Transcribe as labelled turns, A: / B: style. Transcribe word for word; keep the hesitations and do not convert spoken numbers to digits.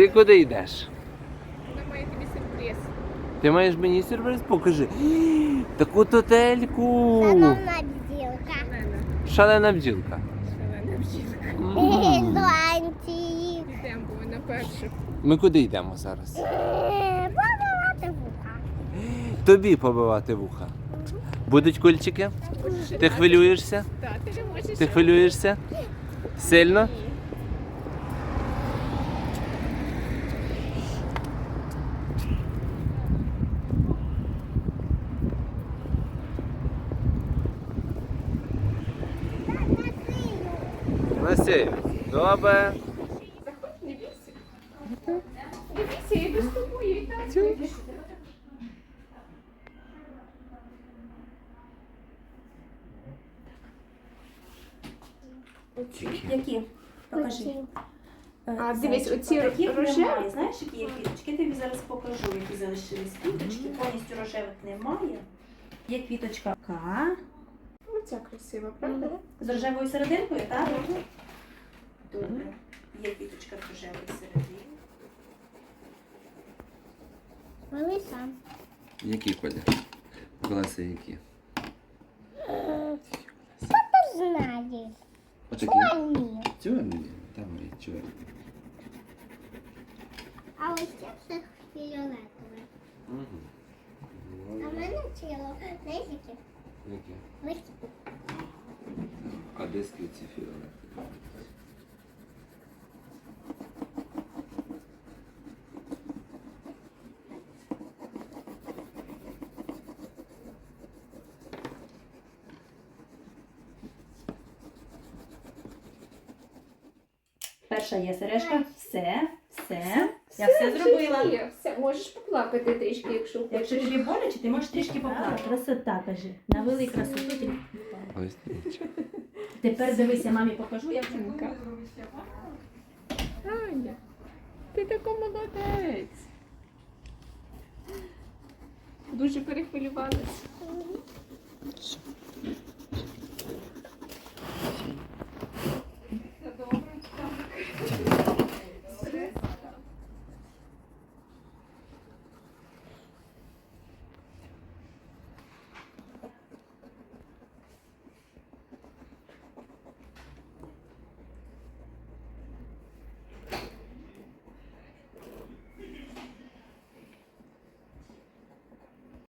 A: Ти куди йдеш?
B: Вона має тобі сюрприз.
A: Ти маєш мені сюрприз? Покажи. Таку тотельку.
C: Шановна бджілка.
B: Шалена.
A: Шалена бджілка.
B: Шалена бджілка.
A: М.
C: Зланці.
B: Йдемо, бо вона перша.
A: Ми куди йдемо зараз?
C: Побивати вуха.
A: Тобі побивати вуха. Будуть кульчики? Ти хвилюєшся?
B: Так, ти не можеш.
A: Ти хвилюєшся? Сильно? Насію. Добре.
B: Заходь, не бійся. Не бійся, я йду з тобою. І так.
D: Які? Покажи.
B: А, дивись, оці
D: Таких
B: рожеві?
D: немає. Знаєш, які є квіточки? Я тобі зараз покажу, які залишились квіточки. Повністю рожевих немає. Є квіточка К.
B: Оця красива, правда?
D: З рожевою серединкою, так? Добре. Є квіточка з рожевою серединкою.
C: Вели сам.
A: Які колір? Класи які?
C: Ти знаєш.
A: Отакі?
C: Чорні.
A: Чорні. Там і чорні.
C: А ось це все фіолетове. А в мене ціло. Знаєш, які?
A: Які?
C: Листя.
A: А де ці фіолетові?
D: Перша є сережка. Все, все. Я все зробила.
B: Є, все, можеш поплакати трішки, якщо
D: Якщо
B: хочеш.
D: тобі боляче, ти можеш трішки поплакати. Красота, кажи. Навели красоту. ти-
A: Ось нічого.
D: Тепер дивися, мамі покажу, як це
B: Жінка.
D: буде зробити.
B: Аня, ти така молодець. Дуже перехвилювалася.